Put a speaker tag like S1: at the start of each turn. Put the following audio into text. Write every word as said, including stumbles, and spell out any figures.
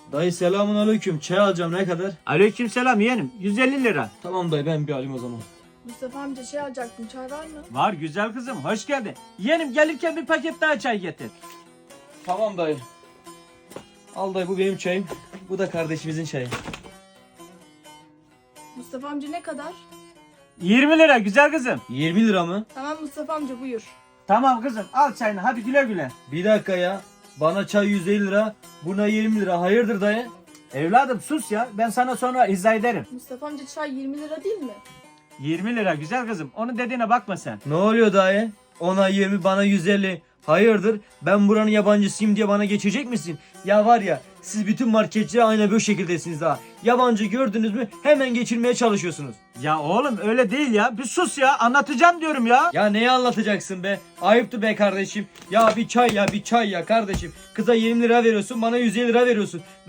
S1: Dayı selamun aleyküm. Çay alacağım, ne kadar?
S2: Aleykümselam yeğenim. yüz elli lira.
S1: Tamam dayı, ben bir alayım o zaman.
S3: Mustafa amca şey alacaktım, çay var mı?
S2: Var güzel kızım. Hoş geldin. Yeğenim gelirken bir paket daha çay getir.
S1: Tamam dayı. Al dayı, bu benim çayım. Bu da kardeşimizin çayı.
S3: Mustafa amca ne kadar?
S2: yirmi lira güzel kızım.
S1: yirmi lira mı?
S3: Tamam Mustafa amca buyur.
S2: Tamam kızım al çayını hadi güle güle.
S1: Bir dakika ya. Bana çay yüz elli lira, buna yirmi lira. Hayırdır dayı?
S2: Evladım sus ya. Ben sana sonra izah ederim.
S3: Mustafa amca çay yirmi lira değil mi?
S2: yirmi lira güzel kızım. Onun dediğine bakma sen.
S1: Ne oluyor dayı? Ona yirmi, bana yüz elli. Hayırdır? Ben buranın yabancısıyım diye bana geçecek misin? Ya var ya, siz bütün marketçiler aynı böyle şekildesiniz ha. Yabancı gördünüz mü hemen geçirmeye çalışıyorsunuz.
S2: Ya oğlum öyle değil ya. Bir sus ya. Anlatacağım diyorum ya.
S1: Ya neyi anlatacaksın be? Ayıptı be kardeşim. Ya bir çay ya, bir çay ya kardeşim. Kıza yirmi lira veriyorsun, bana yüz elli lira veriyorsun.